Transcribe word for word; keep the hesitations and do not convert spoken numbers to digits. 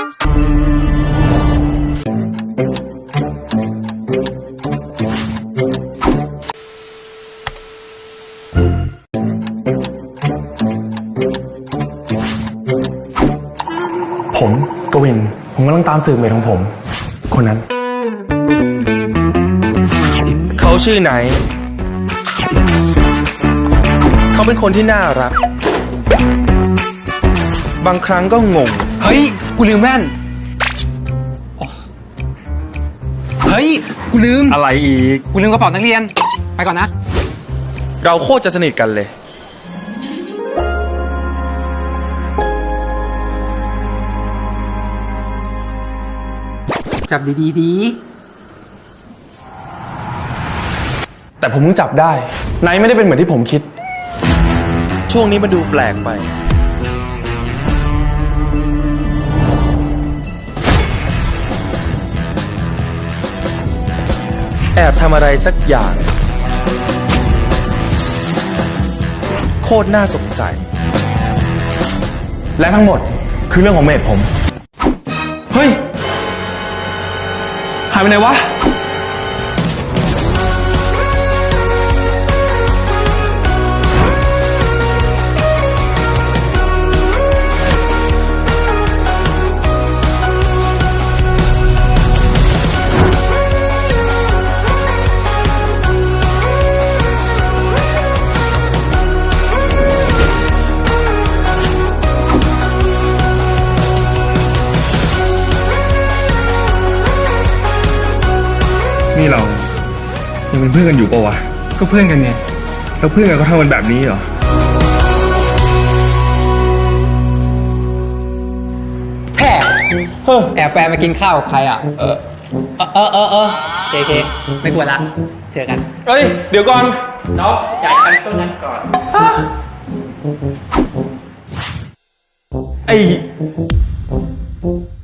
ผมกวินผมกำลังตามสืบเมทของผมคนนั้นเขาชื่อไหนเขาเป็นคนที่น่ารักบางครั้งก็งงเฮ้ยกูลืมแว่นเฮ้ยกูลืมอะไรอีกกูลืมกระเป๋านักเรียนไปก่อนนะเราโคตรจะสนิทกันเลยจับดีๆดีแต่ผมเพิ่งจับได้ไนท์ไม่ได้เป็นเหมือนที่ผมคิดช่วงนี้มันดูแปลกไปแอบทำอะไรสักอย่างโคตรน่าสงสัยและทั้งหมดคือเรื่องของเมทผมเฮ้ยหายไปไหนวะนี่เรายังเป็นเพื่อนกันอยู่ปะวะก็เพื่อนกันไงแล้วเพื่อนกันเขาทำกันแบบนี้เหรอแพ้แอบแฟนมากินข้าวกับใครอ่ะเออเออเออเออเคเคไม่กลัวละเจอกันเอ้ยเดี๋ยวก่อนน้องจ่ายตังค์ต้นนั้นก่อนไอ้